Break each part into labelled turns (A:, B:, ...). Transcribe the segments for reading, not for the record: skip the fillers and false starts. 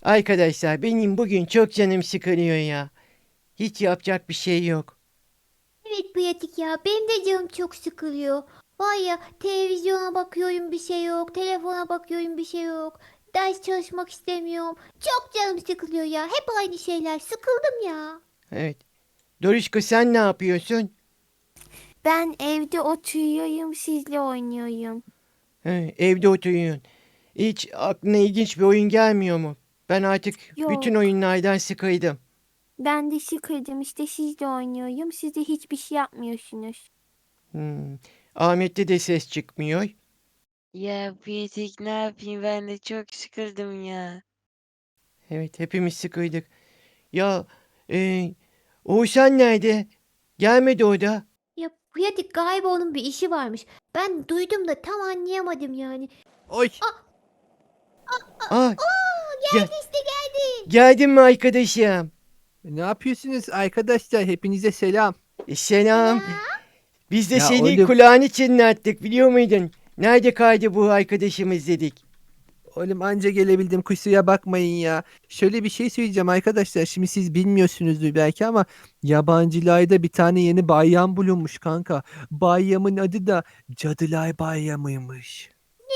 A: Arkadaşlar benim bugün çok canım sıkılıyor ya. Hiç yapacak bir şey yok.
B: Evet pratik ya. Benim de canım çok sıkılıyor. Var ya televizyona bakıyorum bir şey yok. Telefona bakıyorum bir şey yok. Ders çalışmak istemiyorum. Çok canım sıkılıyor ya. Hep aynı şeyler. Sıkıldım ya.
A: Evet. Doruşko sen ne yapıyorsun?
C: Ben evde oturuyorum, sizle oynuyorum.
A: Evde oturuyorsun. Hiç aklına ilginç bir oyun gelmiyor mu? Ben artık bütün
C: Yok,
A: oyunlardan sıkıldım.
C: ben de sıkıldım işte sizle oynuyorum. Siz de hiçbir şey yapmıyorsunuz.
A: Hmm. Ahmet'te de ses çıkmıyor.
D: Ya Pratik ne yapayım ben de çok sıkıldım ya.
A: Evet hepimiz sıkıldık. Ya e, Oğuzhan nerede? Gelmedi o da.
B: Ya pratik galiba onun bir işi varmış. Ben duydum da tam anlayamadım yani.
E: Oy.
A: Aa, gel,
B: Geldi işte geldi.
A: geldin mi arkadaşım?
E: Ne yapıyorsunuz arkadaşlar? Hepinize selam.
A: Selam.
B: Selam.
A: Biz de
E: Ya
A: seni
E: oğlum,
A: kulağını çınlattık biliyor muydun? Nerede kaydı bu arkadaşımız dedik.
E: oğlum anca gelebildim kusura bakmayın ya. Şöyle bir şey söyleyeceğim arkadaşlar. Şimdi siz bilmiyorsunuzdur belki ama yabancılarda bir tane yeni bayram bulunmuş kanka. Bayramın adı da Cadılar Bayramıymış.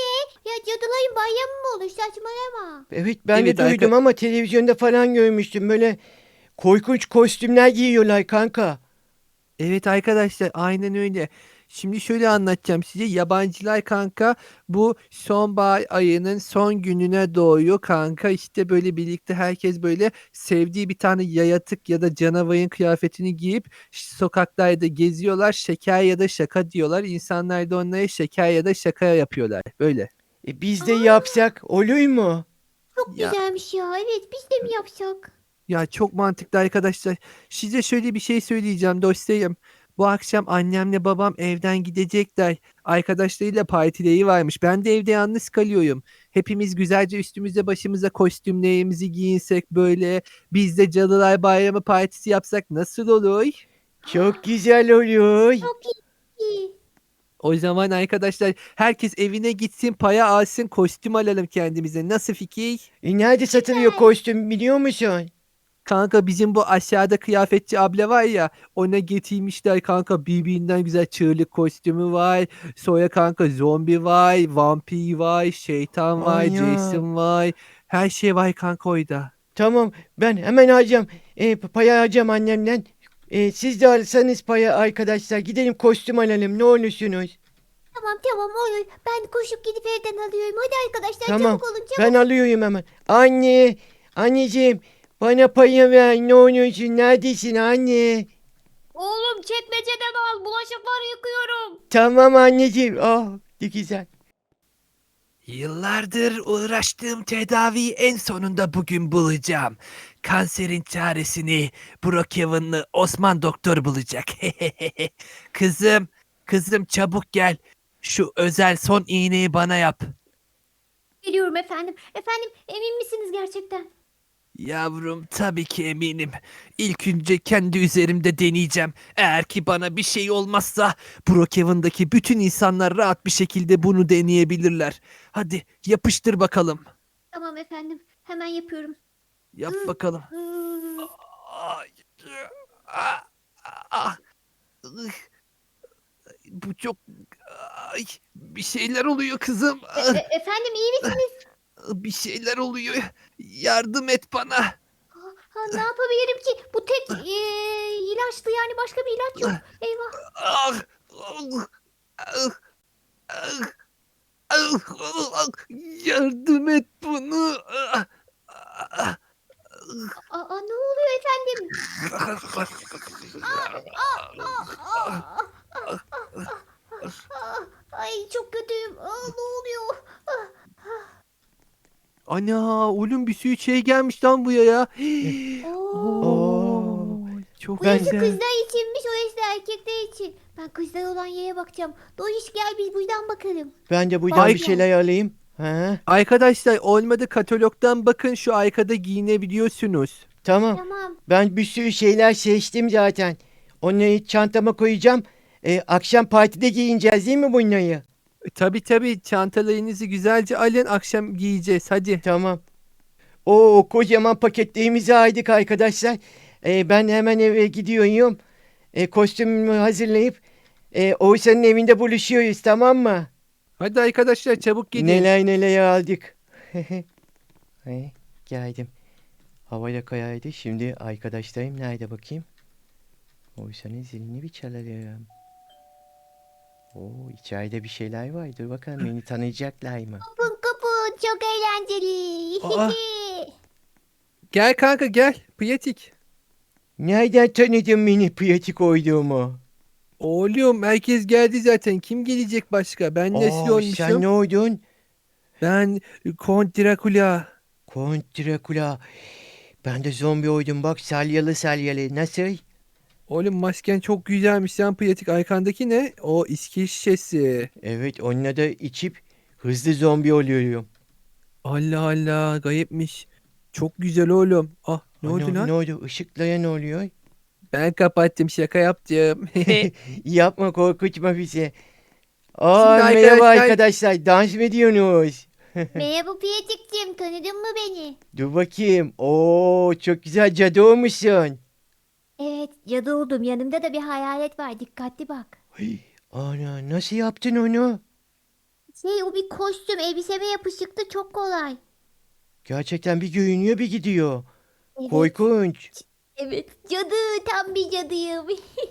B: Ya cadıların bayramı mı olur? Saçmalama.
A: Evet ben de
E: Evet
A: duydum ama televizyonda falan görmüştüm. Böyle korkunç kostümler giyiyorlar kanka.
E: Evet arkadaşlar aynen öyle. Şimdi şöyle anlatacağım size. Yabancılar kanka bu sonbahar ayının son gününe doğuyor kanka. İşte böyle birlikte herkes böyle sevdiği bir tane yayatık ya da canavarın kıyafetini giyip sokaklarda geziyorlar. Şeker ya da şaka diyorlar. İnsanlar da onlara şeker ya da şaka yapıyorlar. Böyle.
A: Biz de
B: Aa,
A: yapsak olur mu?
B: çok
E: Ya
B: güzelmiş ya. Evet biz de mi yapsak?
E: Ya çok mantıklı arkadaşlar. Size şöyle bir şey söyleyeceğim dostlarım. Bu akşam annemle babam evden gidecekler. Arkadaşlarıyla partileri varmış. Ben de evde yalnız kalıyorum. Hepimiz güzelce üstümüze başımıza kostümlerimizi giyinsek böyle. Biz de Cadılar Bayramı partisi yapsak nasıl olur?
A: Çok güzel olur.
B: Çok iyi.
E: O zaman arkadaşlar herkes evine gitsin paya alsın kostüm alalım kendimize. Nasıl fikir?
A: Nerede satılıyor
B: Süper.
A: kostüm biliyor musun?
E: Kanka bizim bu aşağıda kıyafetçi abla var ya ona getirmişler kanka birbirinden güzel çığlık kostümü var. Sonra kanka zombi var, vampir var, şeytan var,
A: Anya.
E: Jason var. Her şey var kanka orada.
A: Tamam ben hemen alacağım. Paya alacağım annemden. Siz de alsanız paya arkadaşlar. Gidelim kostüm alalım ne olursunuz.
B: Tamam tamam olur. Ben koşup gidip evden alıyorum. Hadi arkadaşlar
A: Tamam
B: çabuk olun
A: ben
B: çabuk.
A: alıyorum hemen. Anne, anneciğim bana payı ver ne olursun neredesin anne?
B: Oğlum çekmeceden al. Bulaşıkları yıkıyorum.
A: Tamam anneciğim. Ah ne güzel.
E: Yıllardır uğraştığım tedaviyi en sonunda bugün bulacağım. Kanserin çaresini Brookhaven'lı Osman doktor bulacak. Kızım, kızım çabuk gel. Şu özel son iğneyi bana yap.
B: Geliyorum efendim. Efendim emin misiniz gerçekten?
E: Yavrum tabii ki eminim. İlk önce kendi üzerimde deneyeceğim. Eğer ki bana bir şey olmazsa Brookhaven'daki bütün insanlar rahat bir şekilde bunu deneyebilirler. Hadi yapıştır bakalım.
B: Tamam efendim. Hemen yapıyorum.
E: Yap bakalım.
B: Iı,
E: Ay, ah, ah, ıh, bu çok ay, bir şeyler oluyor kızım.
B: Efendim iyi misiniz?
E: Bir şeyler oluyor. Yardım et bana.
B: Ha, ne yapabilirim ki? Bu tek ilaçtı yani başka bir ilaç yok. Eyvah.
E: Ah, ah, ah, ah, ah, ah, yardım et bunu.
B: Aa, ne oluyor efendim? Aa, ay çok kötüyüm. Ne oluyor?
E: Ana oğlum bir sürü şey gelmiş lan buraya ya.
A: Eh,
B: Oo.
A: Oo,
E: Çok
B: Bu yaşı
A: ben
E: güzel.
B: kızlar içinmiş, o yaşı erkekler için. Ben kızlar olan yere bakacağım. Doğuş gel biz buradan bakalım.
A: ben de buradan
B: Bak
A: bir
E: Ay
B: ya.
A: şeyler alayım. Ha,
E: arkadaşlar olmadı katalogdan bakın şu arkada giyinebiliyorsunuz.
A: tamam.
B: Tamam.
A: Ben bir sürü şeyler seçtim zaten. Onları çantama koyacağım. Akşam partide giyineceğiz değil mi bunları?
E: Tabii tabii çantalarınızı güzelce alın akşam giyeceğiz hadi.
A: Tamam. O kocaman pakette imza aldık arkadaşlar. Ben hemen eve gidiyorum. Kostümümü hazırlayıp Oğuzhan'ın evinde buluşuyoruz, tamam mı?
E: Hadi arkadaşlar çabuk gidin.
A: Neler neler aldık. Geldim. Hava da kayaydı. Şimdi arkadaşlarım nerede bakayım? Oğuzhan'ın zilini bir çalarım. Oo, içeride bir şeyler var. Dur bakalım, beni tanıyacaklar mı?
B: Kapın kapın çok eğlenceli.
E: Aa. Gel kanka gel. Pratik.
A: Nereden tanıdın beni pratik olduğumu?
E: Oğlum herkes geldi zaten. Kim gelecek başka? Ben Nesli
A: Oo, sen
E: olmuşum.
A: ne oldun?
E: Ben Kont Drakula.
A: Kont Drakula. Ben de zombi oldum bak, salyalı salyalı. Nasıl?
E: Oğlum masken çok güzelmiş. Sen pratik. Arkandaki ne? O içki şişesi.
A: Evet, onunla da içip hızlı zombi oluyorum.
E: Allah Allah. Gayipmiş. Çok güzel oğlum. Ah ne oldu
A: Ana,
E: lan?
A: ne oldu? Işıklara ne oluyor?
E: Ben kapattım. Şaka yaptım.
A: Yapma, korkutma bizi.
E: Şimdi
A: Merhaba
E: arkadaşlar-
A: arkadaşlar. Dans mı ediyorsunuz?
B: Merhaba Piyatik'cim, tanıdın mı beni?
A: Dur bakayım. Oo, çok güzel cadı olmuşsun.
B: Evet, cadı oldum. Yanımda da bir hayalet var. Dikkatli bak.
A: Ay, ana, nasıl yaptın onu?
B: O bir kostüm. Elbiseme yapışıktı. Çok kolay.
A: Gerçekten bir görünüyor bir gidiyor.
B: Evet.
A: Korkunç.
B: Evet. Cadı. Tam bir cadıyım.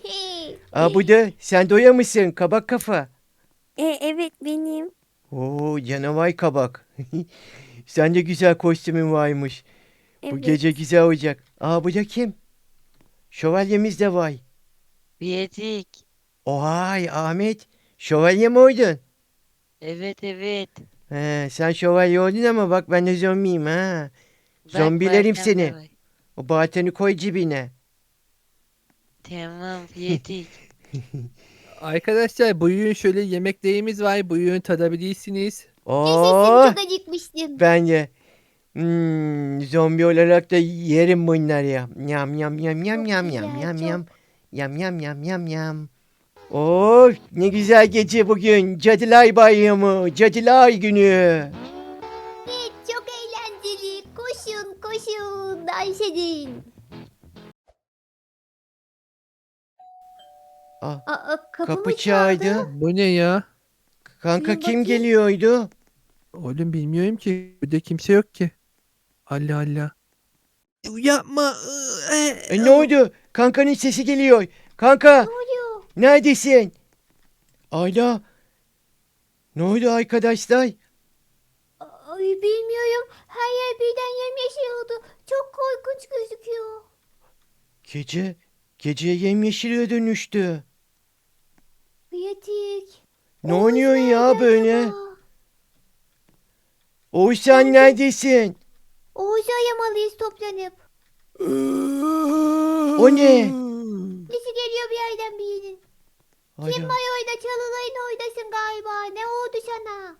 A: Bu da sen doya mısın? Kabak kafa.
C: Evet benim.
A: Oo, canavar kabak. Sen de güzel kostümün varmış. Bu
C: Evet.
A: gece güzel olacak. Bu da kim? Şövalyemiz de var.
D: Pratik.
A: Ohay Ahmet. Şövalye mi oldun?
D: Evet evet.
A: Sen şövalye oldun ama bak ben de zombiyim ha.
D: Bak,
A: Zombilerim
D: Barkem
A: seni.
D: de var.
A: O baltanı koy cebine.
D: Tamam Pratik.
E: Arkadaşlar buyurun şöyle yemeklerimiz var. Buyurun tadabilirsiniz.
A: Oo,
B: Çok acıkmıştım.
A: ben de. Zombi olarak da yerim bunları ya. Yam yam yam yam
B: Çok
A: yam
B: güzel,
A: yam yam
B: çok.
A: yam. Yam yam yam yam yam. Oh, ne güzel gece bugün. Cadılar Bayramı, Cadılar Günü.
B: Evet, çok eğlenceli. Koşun koşun. Dans edin. Kapı
A: Kapı
B: mı
A: çaldı.
E: Bu ne ya?
A: Kanka
B: Bir
A: kim
B: bakayım.
A: geliyordu?
E: Oğlum bilmiyorum ki. Burada kimse yok ki. Allah Allah. Yapma.
A: Ne oldu? Kankanın sesi geliyor. Kanka,
B: Ne oluyor?
A: neredesin? Ayla. Ne oldu arkadaşlar?
B: Ay, bilmiyorum. Her yer birden yemyeşil oldu. Çok korkunç gözüküyor.
A: Gece yemyeşile dönüştü.
B: Piyatik.
A: Ne oynuyorsun ya
B: nerede
A: böyle?
B: acaba?
A: Oğuzhan neredesin?
B: Oğuz'u aramalıyız toplanıp.
A: O ne?
B: Sesi geliyor bir yerden birinin. Kim
A: Ayla.
B: var orada? Çalılayın oradasın galiba. Ne oldu sana?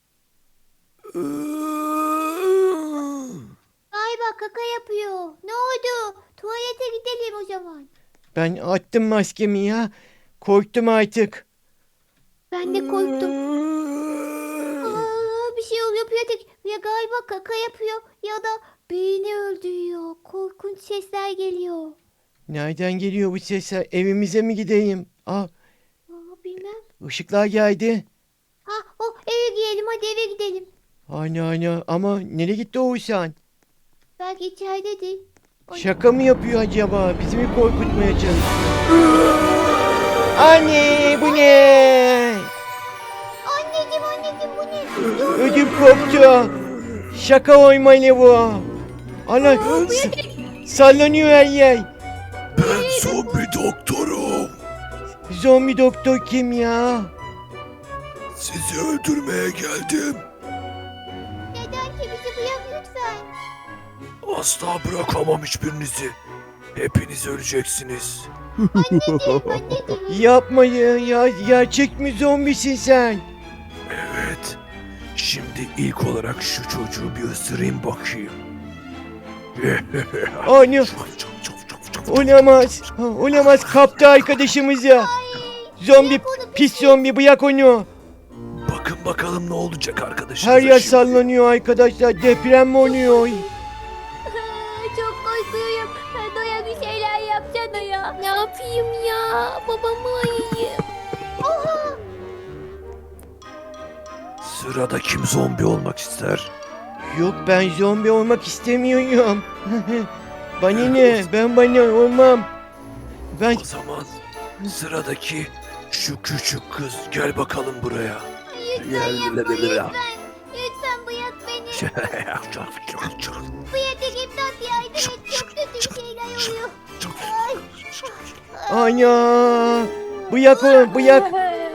B: Galiba kaka yapıyor. Ne oldu? Tuvalete gidelim o zaman.
A: Ben attım maskemi ya. Korktum artık.
B: Ben de korktum. Bir şey oluyor Piyatik. Ya galiba kaka yapıyor ya da beyni öldürüyor. Korkunç sesler geliyor.
A: Nereden geliyor bu sesler? Evimize mi gideyim?
B: Bilmem.
A: Işıklar geldi.
B: Eve gidelim, hadi eve gidelim.
A: Ana ama nereye gitti Oğuzhan?
B: Belki içeridedir.
A: Şaka mı yapıyor acaba? Bizi mi korkutmaya çalışıyor? Anne, bu ne?
B: Anneciğim bu ne?
A: Ödüm koptu. Şaka olmalı bu. Ana, sallanıyor her yer.
F: Ben zombi doktorum.
A: Zombi doktor kim ya?
F: Sizi öldürmeye geldim.
B: Neden ki bizi bırak lütfen.
F: Asla bırakamam hiçbirinizi. Hepiniz öleceksiniz.
B: Anneciğim.
A: Yapmayın ya. Gerçek mi zombisin sen?
F: Evet. Şimdi ilk olarak şu çocuğu bir ısırayım bakayım.
A: Anne, olamaz. Olamaz, kaptı arkadaşımızı. Zombi, pis zombi, bırak onu.
F: Bakın bakalım ne olacak arkadaşlar.
A: Her yer sallanıyor arkadaşlar. Deprem mi oluyor?
C: babamı arayayım.
F: Sırada kim zombi olmak ister?
A: Yok ben zombi olmak istemiyorum. Bana ne? Ben bana olmam. Ben
F: O zaman sıradaki şu küçük kız, gel bakalım buraya.
B: Lütfen yapma lütfen. Lütfen bırak beni. Pratik imdat yardım et. Çok kötü şeyler oluyor.
A: ana bıyak onu bıyak.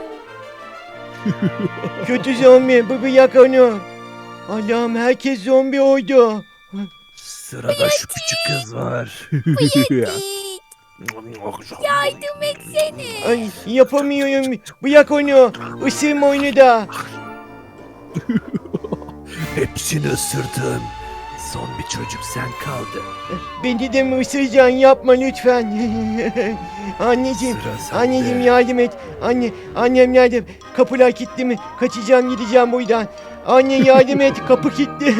A: Kötü zombi bıyak onu. Allah'ım herkes zombi oldu.
F: Sırada şu küçük kız var.
C: Yardım etsene.
A: Ay yapamıyorum. Bıyak onu. Isırma onu da.
F: Hepsini ısırdın. Son bir çocuk sen kaldın.
A: Beni de mi ısıracaksın? Yapma lütfen. Anneciğim.
F: Sıra sende.
A: Anneciğim yardım et. Annem nerede? Kapılar kilitli mi? Kaçacağım gideceğim buradan. Anne yardım et. Kapı kilitli.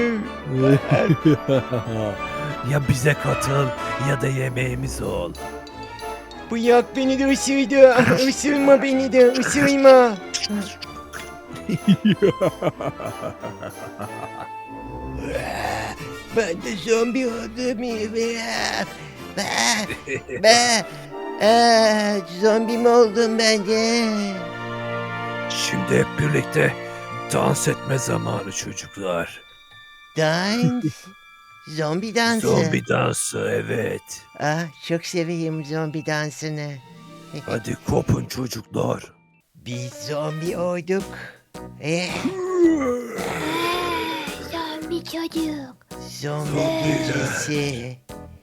F: Ya bize katıl ya da yemeğimiz ol.
A: Bırak beni de ısırdı. Isırma beni de. Isırma. Ben de zombi oldum. Zombi mi oldum ben de?
F: Şimdi hep birlikte dans etme zamanı çocuklar.
A: Dans. Zombi dansı.
F: Zombi dansı, evet.
A: Ah, çok seviyorum zombi dansını.
F: Hadi kopun çocuklar.
A: Biz zombi olduk.
B: Zombi çocuk.
A: Zombi büyücüsü.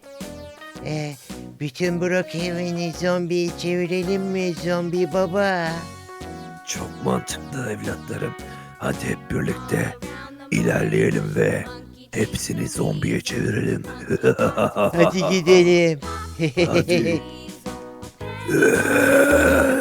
A: Bütün Brookhaven'i zombiye çevirelim mi zombi baba?
F: Çok mantıklı evlatlarım. Hadi hep birlikte ilerleyelim ve hepsini zombiye çevirelim.
A: Hadi gidelim.
F: Hadi.